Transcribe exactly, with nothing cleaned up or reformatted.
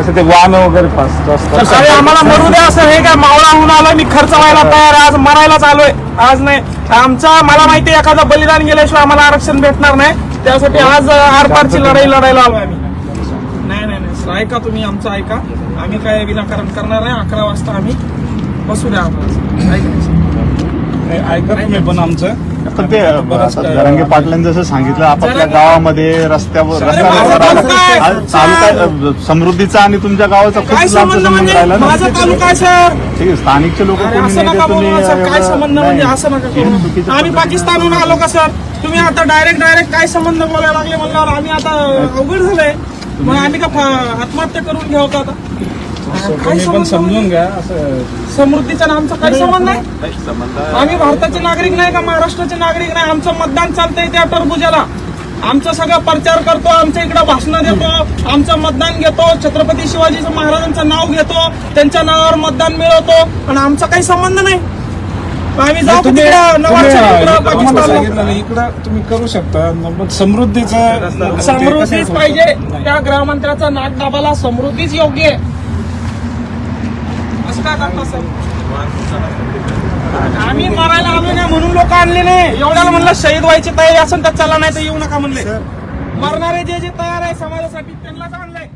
कसं ते वाहन वगैरे पास असतात. अरे आम्हाला मरू द्या असं हे काय मावळा होऊन आलोय मी खर्च व्हायला तयार आहे, आज मरायलाच आलोय. आज नाही आमचा मला माहिती आहे एखादा बलिदान गेल्याशिवाय आम्हाला आरक्षण भेटणार नाही, त्यासाठी आज आरपारची लढाई लढायला आलोय आम्ही. नाही नाही नाही सर ऐका तुम्ही आमचं ऐका, आम्ही काय विनाकारण करणार नाही. अकरा वाजता आम्ही बसू द्या आम्हाला. ऐका तुम्ही पण आमचं पण ते जरांगे पाटलांनी जसं सांगितलं आपापल्या गावामध्ये रस्त्यावर माझा तालुका आहे. तालुका समृद्धीचा आणि तुमच्या गावाचा खूप काय लांबचा संबंध संबंध म्हणजे राहिला ना. माझा तालुका आहे सर. ठीक आहे, स्थानिकचे लोक अरे कोणी असं नाही नका ते तुम्ही बोलू ना सर, काय एवढं- संबंध म्हणजे नाही. असं नका हे करू. चुकीचं आम्ही पद्धत- पाकिस्तानहून आलो का सर? तुम्ही आता डायरेक्ट डायरेक्ट काय संबंध बोलायला लागले म्हणल्यावर आम्ही आता अवघड झालंय. मग आम्ही का फा- आत्महत्या करून घेऊ का आता? काय तुम्ही पण संबंध समजून म्हणजे? घ्या. असं समृद्धीचा आणि आमचा काही संबंध नाही. आम्ही भारताचे नागरिक नाही का महाराष्ट्राचे नागरिक नाही? आमचं मतदान चालतंय त्या टरबुजाला. आमचं सगळं प्रचार करतो, आमच्या इकडे भाषणं देतो, आमचं मतदान घेतो, छत्रपती शिवाजी महाराजांचं नाव घेतो, त्यांच्या नावावर मतदान मिळवतो आणि आमचा काही संबंध नाही. आम्ही जाऊ तुम्ही तिकडं नवाबच्या इकडं, तुम्हाला पाकिस्तानला. सांगितलं नाही, इकडं तुम्ही करू शकता. मग समृद्धीचं समृद्धीच पाहिजे. त्या गृहमंत्र्याचा नाक दाबाला समृद्धीच योग्य आहे. असं काय करता सर? आम्ही मरायला आलो नाही म्हणून लोक आणले नाही. एवढ्याला म्हणलं शहीद व्हायची तयारी असेल तर चला, नाही तर येऊ नका म्हणले. मरणारे जे जे तयार आहे समाजासाठी त्यांनाच आणलंय.